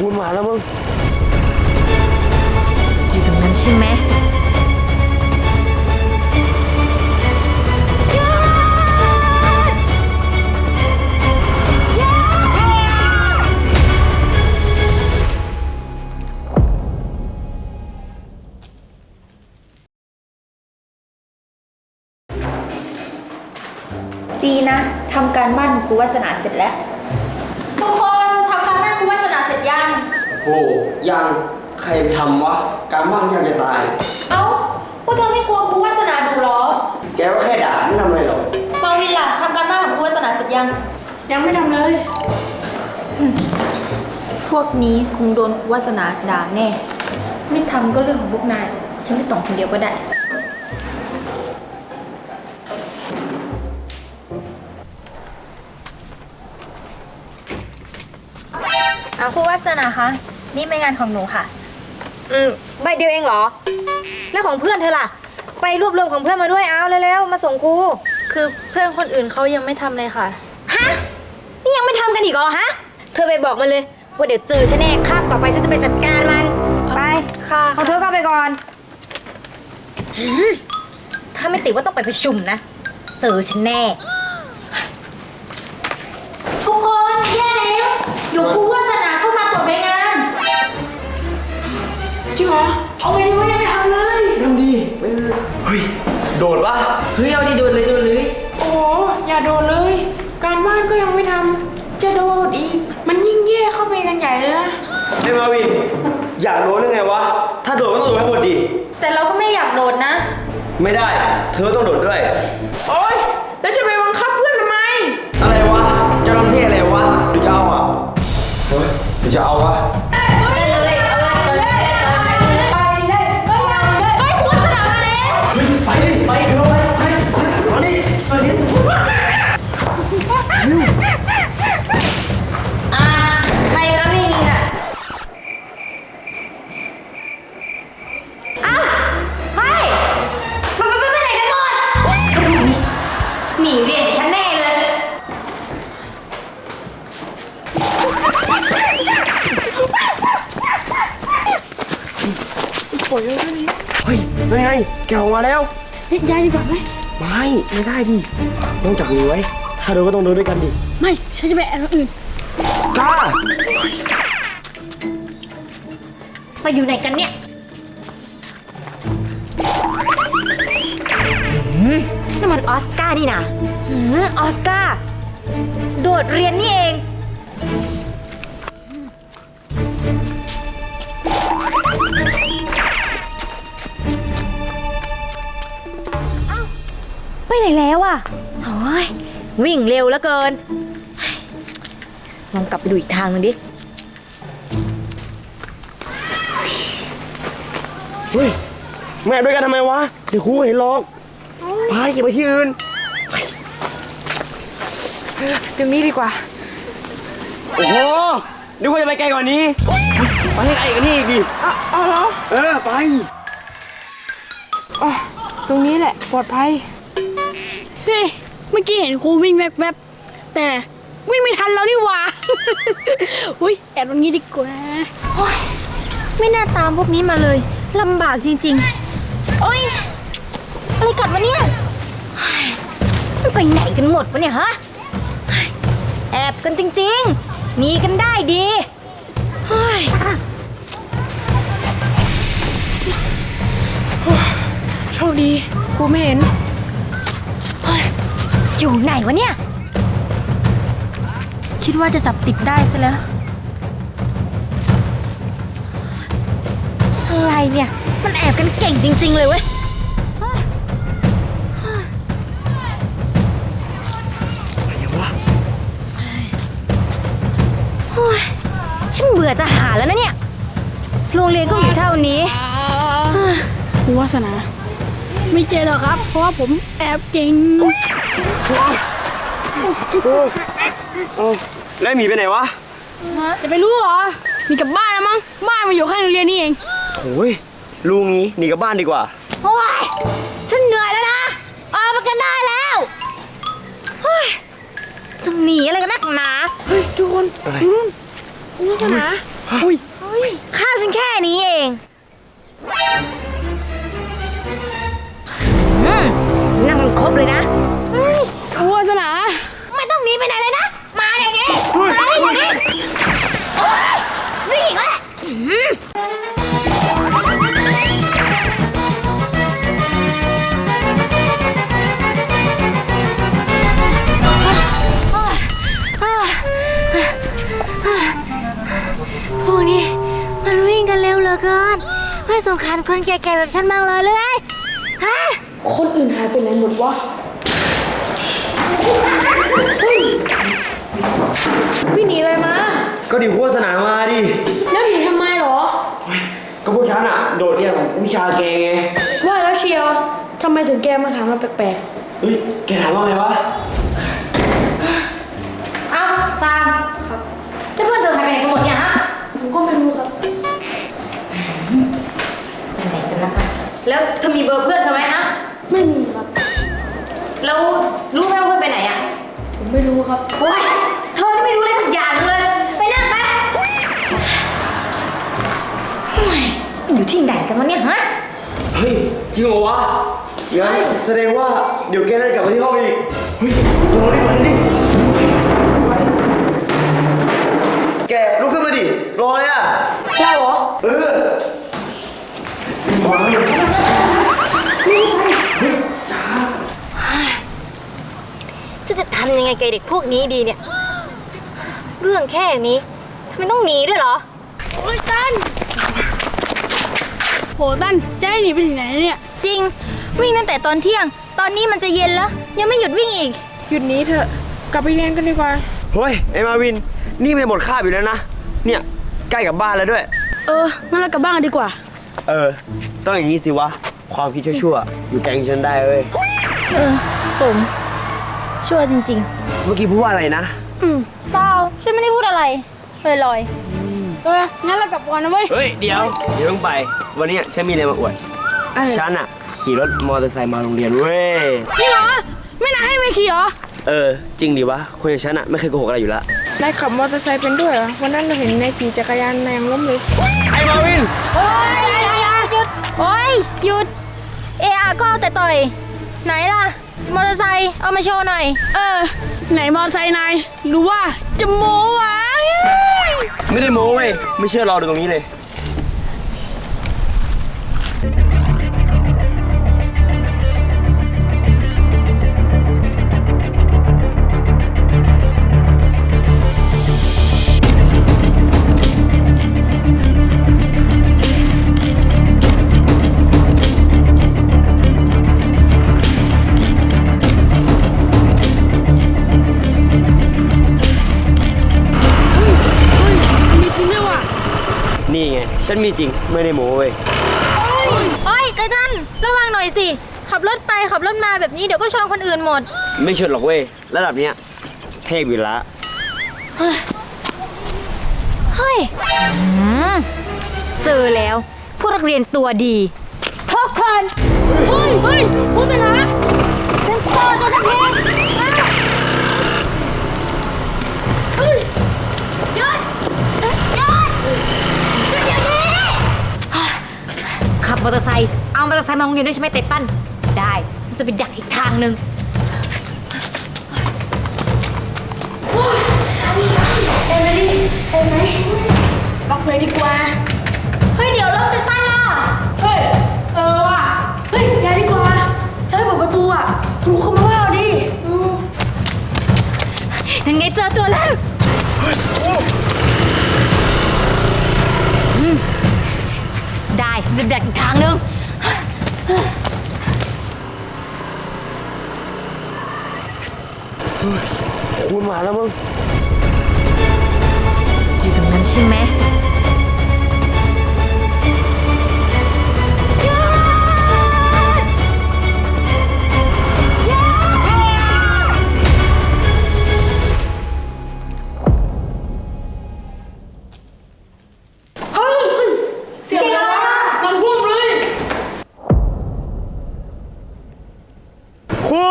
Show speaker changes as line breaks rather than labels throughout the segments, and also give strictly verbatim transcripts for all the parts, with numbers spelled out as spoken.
คุณมาแล้วมึง
อยู่ตรงนั้นใช่ไหมดีนะทำการบ้านครูวาสนาเสร็จแล้วทุกคนทำการบ้านครูวาสนาเสร็จยัง
โอ้ยังใครทำวะการบ้านยากจะตาย
เอ้าพวกเธอไม่กลัวครูวาสนาดูหรอ
แกก็แค่ด่าไม่ทำอะไรหรอก
มาวินล่ะทำการบ้านของครูวาสนาเสร็จยังยังไม่ทำเลยพวกนี้คงโดนครูวาสนาด่าแน่ไม่ทำก็เรื่องของพวกนายฉันไม่ส่งคนเดียวก็ได้เอาครูวาสนาคะนี่เป็นงานของหนูค่ะอืมใบเดียวเองเหรอแล้วของเพื่อนเธอล่ะไปรวบรวมของเพื่อนมาด้วยเอาเร็วๆมาส่งครูคือเพื่อนคนอื่นเขายังไม่ทำเลยค่ะฮะนี่ยังไม่ทำกันอีกเหรอฮะเธอไปบอกมันเลยว่าเดี๋ยวเจอฉันแน่คาบต่อไปฉันจะไปจัดการมันไปค่ะเอาเธอเข้าไปก่อนถ้าไม่ติดว่าต้องไปประชุมนะเจอฉันแน่ทุกคนแย่แล้วเดี๋ยวครูวาสนาเข้ามาตรวจใบงานจริงเหรอเอาไปดิว่ายังไม่ทำเลย
ทำดีเฮ้ยโดดปะ
เฮ้ยเอาดิโดดเลยโดดเลย
โอ้อย่าโดดเลยการบ้านก็ยังไม่ทำจะโดดอีกมันยิ่งแย่เข้าไปกันใหญ่เลยนะ
ไอ้มาวินอยากโดดหรือไงวะถ้าโดดก็ต้องโดดให้หมดดิ
แต่เราก็ไม่อยากโดดนะ
ไม่ได้เธอต้องโดดด้วย
โอ๊ยแล้วจะไปบังคับเพื่อนทำไม
อะไรวะจะทำเท่อะไรวะหรือจะเอาอ่ะเฮ้ยหรือจะเอาวะไปดิไปเถอะไปไปมาดิมาดิ
อ่าใครก็ไม่ดีค่ะอ้าวเฮ้ยไปไปไปไหนกันหมดหนีเรียนฉันแน่เลย
ปล่อยเลยนี่
เฮ้ยยังไงแกออกมาแล้ว
เฮ้ยย้ายดีกว่าไหม
ไม่ไม่ได้ดิต้องจับมือไว้ถ้าโดนก็ต้องโดนด้วยกันดิ
ไม่ฉันจะไปแอบคนอื่น
กล้า
ไปอยู่ไหนกันเนี่ยนี่มันออสการ์นี่นะออสการ์โดดเรียนนี่เองไปไหนแล้วอ่ะโอ้ยวิ่งเร็วเหลือเกินลองกลับไปดูอีกทางนึงดิ
เฮ้ยแม่ด้วยกันทำไมวะเดี๋ยวครูเห็นหรอกไปอย่าไปที่อื่น
ตรงนี้ดีกว่า
โอ้โหนึกว่าจะไปไกลกว่านี้ไปให้ไกลกว่านี้อีกดิ
เอาเหรอ
เออไป
อ๋อตรงนี้แหละปลอดภัยเฮ้ยเมื่อกี้เห็นครูวิ่งแวบๆแต่วิ่งไม่ทันแล้วนี่หว่าอุ้ยแอบตรงนี้ดีกว่า
โอ๊ยไม่น่าตามพวกนี้มาเลยลำบากจริงๆโอ๊ยอะไรกัดวะเนี่ยมันไปไหนกันหมดวะเนี่ยฮะแอบกันจริงๆหนีกันได้ดี
โชคดีครูไม่เห็น
อยู่ไหนวะเนี่ยคิดว่าจะจับติดได้ซะแล้วอะไรเนี่ยมันแอบกันเก่งจริงๆเลยเว้ย
อะไรวะ
ฉันเบื่อจะหาแล้วนะเนี่ยโรงเรียนก็อยู่เท่านี้
ครูวาสนาไม่เจอหรอกครับเพราะว่าผมแอบเก่ง
แล้วหมีไปไหนวะ
จะไปรู้เหรอหนีกลับบ้านแล้วมั้งบ้านมาอยู่ข้างโรงเรียนนี่เอง
โถ่ลุงงี้หนีกลับบ้านดีกว่า
โอ้ยฉันเหนื่อยแล้วนะออกมากันได้แล้วจะหนีอะไรกันนักหนา
เฮ้ยทุกคนดูนู่นวาสนาอุ้ย
ข้าวฉันแค่นี้เองอืมนั่งครบเลยนะ
ครูวาสนา
ไม่ต้องหนีไปไหนเลยนะ มาเดี๋ยวนี้มาเดี๋ยวนี้โอ๊ยวิ่งอีกแล้วอืมพวกนี้มันวิ่งกันเร็วเหลือเกิน ไม่สงสารคนแก่ๆแบบฉันบ้างเลยเลยฮะ
คนอื่นหายไปไหนหมดวะพี่หนีเลยมา
ก็ดิวโฆษณามาดิ
แล้วหนีทำไมหรอ
ก็พวกฉันอะโดดเรียนวิชาแกไง
ว่าแล้วเชียวทำไมถึงแกมาถามเราแปลก
เฮ้ยแกถามว่าไงวะ
เอาฟาร์มครับแล้วเพื่อนเธอหายไปไหนกันหมดเนี่ยฮะ
ๆผมก็ไม่รู้ครับ
ไปไหนกันนะแล้วเธอมีเบอร์เพื่อนเธอไหมฮะ
ไม่มีครับ
แล้วรู้ไหมว่าเพื่อนไปไหนอ่ะ
ผมไม่รู้ครับ
โอ๊ยเธอที่ไม่รู้อะไรสักอย่างเลย ไปนั่งไปเฮ้ยอยู่ที่ไหนกันวะเนี่ยฮะ
เฮ้ยจริงเหรอวะงั้นแสดงว่าเดี๋ยวแกได้กลับมาที่ห้องอีก เฮ้ยตัวเรารีบไปดิแกลุกขึ้นมาดิ รอเลยอ่ะ
ได้เหรอ
เออมาแล้วเฮ้ย
จะจะทำยังไงกับเด็กพวกนี้ดีเนี่ย เรื่องแค่นี้ทำไมต้องหนีด้วยเหรอ
โอ้ยตันโหตันจะให้หนีไปถึงไหนเนี่ย
จริงวิ่งตั้งแต่ตอนเที่ยง ตอนนี้มันจะเย็นแล้ว ยังไม่หยุดวิ่งอีก
หยุดหนี้เถอะ กลับไปเรียนกันดีกว่า
เฮ้ยไอ้มาวิน นี่ไม่หมดคาบอยู่แล้วนะ เนี่ยใกล้กับบ้านแล้วด้วย
เอองั้นเรากลับบ้านกันดีกว่า
เออ ต้องอย่างนี้สิวะ ความคิดชั่วๆอยู่แกงฉันได้เว้ย
เออ สม ชั่วจริง
เมื่อกี้พูดว่าอะไรนะ
อืม
ๆเปล่าฉันไม่ได้พูดอะไรลอย
เอองั้นเรากลับก่อนนะเว้ย
เฮ้ย เดี๋ยว เดี๋ยวต้องไป วันนี้ฉันมีอะไรมาอวด
อะไร
ฉันอะขี่รถมอเตอร์ไซค์มาโรงเรียนเว้ย
จริงเหรอ ไม่น่าให้ไม่ขี่เหรอ
เออ จริงดิวะ คนอย่างฉันอะไม่เคยโกหกอะไรอยู่ละ
นายขับมอเตอร์ไซค์เป็นด้วยเหรอ วันนั้นเราเห็นนายขี่จักรยานนายยังล้มเลย
ไอ้มาวิน
ๆโอ๊ยหยุดโอ๊ยหยุด เออาก็เอาแต่ต่อย ไหนล่ะ มอเตอร์ไซค์เอามาโชว์หน่อย
เออ ไหนมอเตอร์ไซค์นายหรือว่าจะโม้วะ
ไม่ได้โม้เว้ย ไม่เชื่อรอดูตรงนี้เลย
มีจริงด้วยว่ะ
นี่ไง ฉันมีจริง ไม่ได้โม้เว้ย
โอ๊ยไททันระวังหน่อยสิ ขับรถไปขับรถมาแบบนี้เดี๋ยวก็ชนคนอื่นหมด
ไม่เชื่อหรอกเว้ย ระดับเนี้ยเทพอยู่ละ
เฮ้ยอืมเจอแล้วพวกนักเรียนตัวดีทุกคน
เฮ้ย เฮ้ยโฆษณา
ฉันเจอตัวทัพเพงเฮ้ยหยุดหยุดหยุดเดี๋ยวนี้ขับมอเตอร์ไซค์เอามอเตอร์ไซค์มาโรงเรียนด้วยใช่ไหมเตตันได้ฉันจะไปดักอีกทางหนึ่ง
ล็อกเลยดีกว่า
เฮ้ยเดี๋ยวรถเตตันล่ะ
เฮ้ย เออว่ะ เฮ้ยอย่าดีกว่า ถ้าไม่เปิดประตูอ่ะครูเขามาว่าเราดิอืม
ยังไงเจอตัวแล้วอืมได้ฉันจะไปดักอีกทางหนึ่ง
คุณมาแล้วมึง
อยู่ตรงนั้นใช่ไหมหยุดหยุด
เฮ้ยเฮ้ยเสียงอะไรอ่ะมันพุ่งเลย
ครู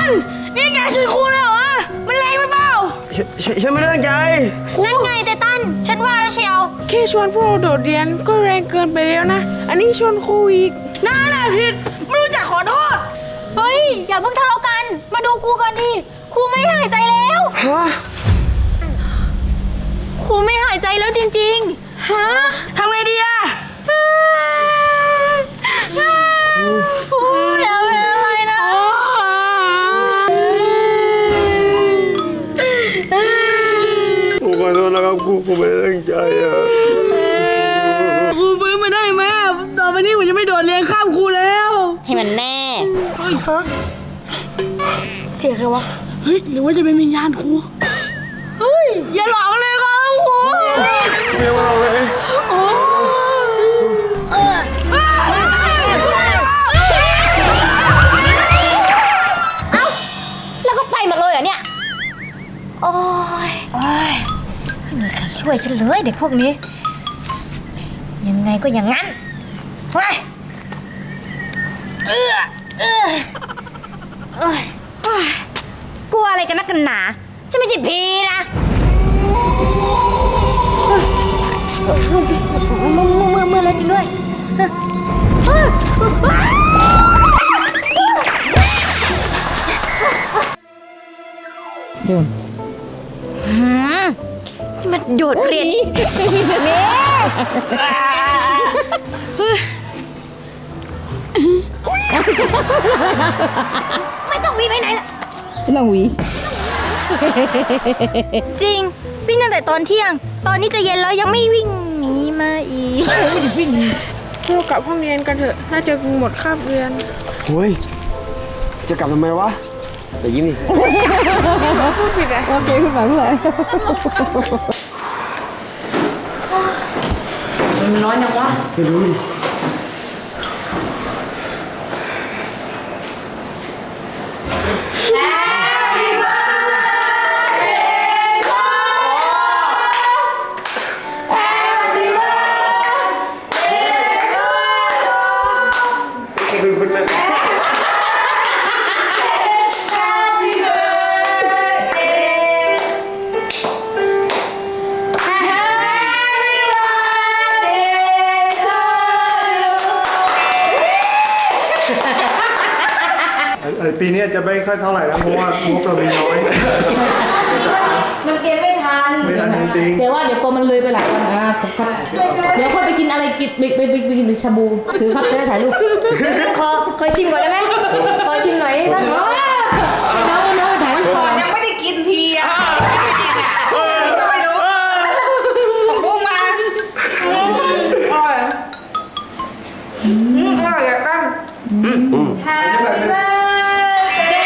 นนี่แกชวนครูเลยเหรอมันแรงไปเปล่า
ฉฉฉันไม่ได้ตั้งใจ
นั่นไงไตตันฉันว่าแล้วเชียว
แค่ชวนพวกเราโดดเรียนก็แรงเกินไปแล้วนะ อันนี้ชวนครูอีก
น่าแหละผิดไม่รู้จักขอโทษ
เฮ้ยอย่าเพิ่งทะเลาะกันมาดูครูก่อนดิครูไม่หายใจแล้ว
ฮะ
ครูไม่หายใจแล้วจริงๆฮะ
ทำไงดีอะ
ครูอย่าเป็นอะไรนะ
ผมขอโทษนะครับครูผมไม่ได้ตั้งใจอ่ะ
ครูฟื้นมาได้ไหมอะต่อไปนี้ผมจะไม่โดดเรียนข้ามครูแล้ว
ให้มันแน่
เฮ้ยฮะ
เสียงใครวะ
เฮ้ยหรือว่าจะเป็นวิญญาณครูเฮ้ยอย่าหลอกเลยครับครู
ไม่ว่าเลย
โอ้เออ
เอ้าแล้วก็ไปหมดเลยเหรอเนี่ยโอ้ยโอ้ยไม่มีใครช่วยฉันเลยเด็กพวกนี้ ยังไงก็อย่างนั้นไปเออเออเอ้ยเฮ้ยกลัวอะไรกันนักกันหนาฉันไม่ใช่ผีนะมือมือมือมือเลยจริงด้วยเดินมันโดดเรียนนี่ไม่ต้องวีไปไหนล่ะ
ไม่ต้องหวี
จริงวิ่งตั้งแต่ตอนเที่ยง ตอนนี้จะเย็นแล้วยังไม่วิ่งหนีมาอีก
พวกกลับห้องเรียนกันเถอะ น่าจะหมดคาบเรียน
เฮ้ยจะกลับทำไมวะแต่ยิ้มดิ
พูดผิดอะ
โอเคขึ้นมาเพื่อนมันน้อยจังวะ
ไม่รู้ดิ คุณคุณนะ
เอ่อปีนี้จะไม่ค่อยเท่าไหร่แล้วเพราะว่างบเรามีน้อย
มันเก็บไม่ทัน
ไม่ทันจริง
เดี๋ยวว่าเดี๋ยวพอมันเลยไปหลายวันอ่ะผมครับเดี๋ยวค่อยไปกินอะไรกินไปไปไปไปกินชาบู ถือครับจะได้ถ่ายรูป
ขอขอชิมก่อนได้ไหมขอชิมหน่อยนะ
น้องน้องถ่ายรูปก่อน
ยังไม่ได้กินทีอ่ะไม่ได้กินอ่ะก็ไม่รู้ของบุ้งมาอร่อยอืมอร่อยแบบตั้ง Happy birthday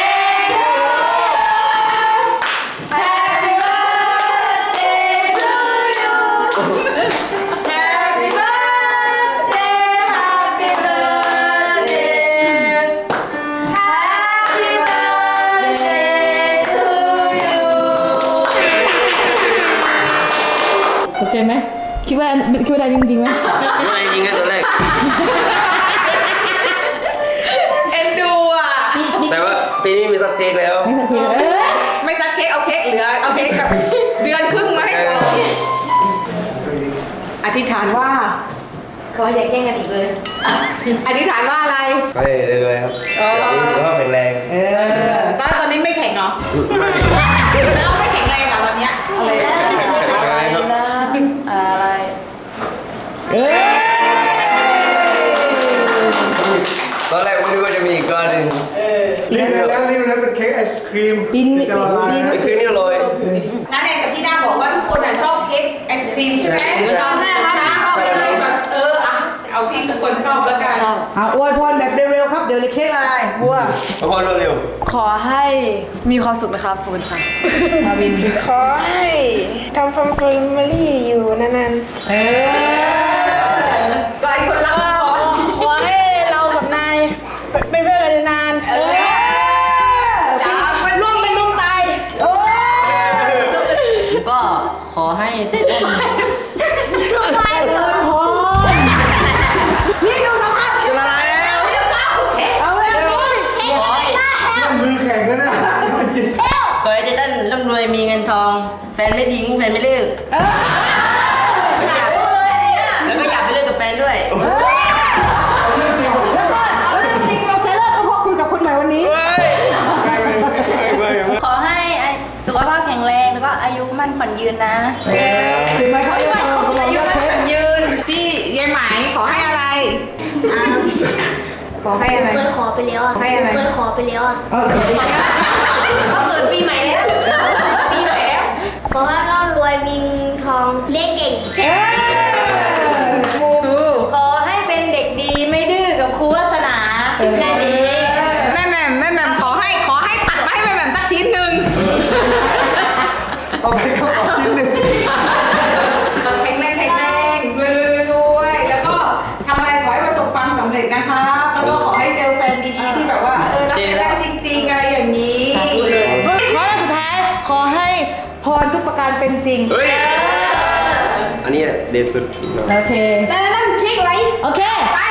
Happy birthday to you Happy birthday Happy birthday Happy birthday to you
ตกใจไหมคิดว่าคิดว่าได้จริงๆไหม
ไม่จริงนะตอนแรก
เอ็นดูอ่ะ
แต่ว่าปีนี้มีสักเค้กแล้ว
ไม่สักทีเออ
ไม่ซักเค้กเอาเค้กเหลือเอาเค้กกับเดือนครึ่งมาให้ก่อนอธิษฐานว่า
ขออย่าแกล้งกันอีกเลย
อธิษฐานว่าอะไร
ไปเลยๆครับอยากมีสุขภาพแข็งแรง
เออตอนตอนนี้ไม่แข็งเหรอแล้วไม่แข็งแรงเหรอตอนเนี้ยอะไร
อะไรครับ
อะไร
ตอนแรกผมนึกว่าจะมีอีกก้อนหนึ่ง
รีบเลยแล้วรีบเลยเป็นเค้กไอศครีม
ปีน
ที่จะละลาย
ปีน
ไอ้คืนนี้อร่อย
น้าแนนกับพี่ด้าบอกว่าทุกคนอ่ะชอบเค้กไอศครีมใช่ไหมชอบแม่ครับเอาไปเลยแบบเอออ่ะเอาที่ทุกคนชอบแล้วกัน
เอาอวยพรแบบเร็วๆครับเดี๋ยวเลยเค้กอะไรบัว
มาพอเร็ว
ขอให้มีความสุขนะครับขอบคุณค่ะ
มาวิน
ขอให้ทำฟาร์มแฟมิลี่อยู่นาน
เออ
ก็ไอ้คนรักก่อน
ขอให้เรากับนายเป็นเพื่อนกันนาน
เออจ้ามัน
ร่วมเป็นร่วมตาย
ก็ขอให้เต้น
ไปเถอะ
พอนี่ดูสภาพ
ๆจะละลายแล้ว
เอาเลย
มือแข็งก็ได้
นไม่ทิ้งแฟนไม่เลิก
เออ
แล้วก็อยากไปเลิกกับแฟนด้วย
แล้วก็แล้วจริงๆเราจะเลิกก็เพราะคุยกับคนใหม่วันนี้
ขอให้สุขภาพแข็งแรงแล้วก็อายุมั่นขวัญยืนนะ
ถึงไหมเขาเรียกเราเขาบอกยอดเพชร
ยืน พี่ยายไหมขอให้อะไร ขอให้อะไร
เคยขอไปแล้วอ่ะ
ให้อะไร
เคยขอไปแล้วอ่ะ
เอาเลย
เขาเกิดปีใหม่แล้ว ปีใหม่แล้ว
ขอให้ร่ำรวยมีเงินทองเลี้ยงเก่ง
ขอให้เป็นเด็กดีไม่ดื้อกับครูวาสนาแค่นี้
แม่แหม่มแม่แหม่มขอให้ขอให้ตัดมาให้แม่แหม่มสักชิ้นหนึ่ง
เอาไปก็เอาชิ้นหนึ่ง
แข็งแรงแข็งแรงรวยรวยรวยแล้วก็ทำอะไรขอให้ประสบความสำเร็จนะคะแล้วก็ขอให้เจอแฟนดีๆที่แบบว่าเออรักกันได้จริงๆอะไรอย่างนี้
ขอแล้วสุดท้ายขอให้พรทุกประการเป็นจริง
อันนี้เด็ดสุด
โอเค
แต่นั่นเค้กอะไร
โอเค
ไป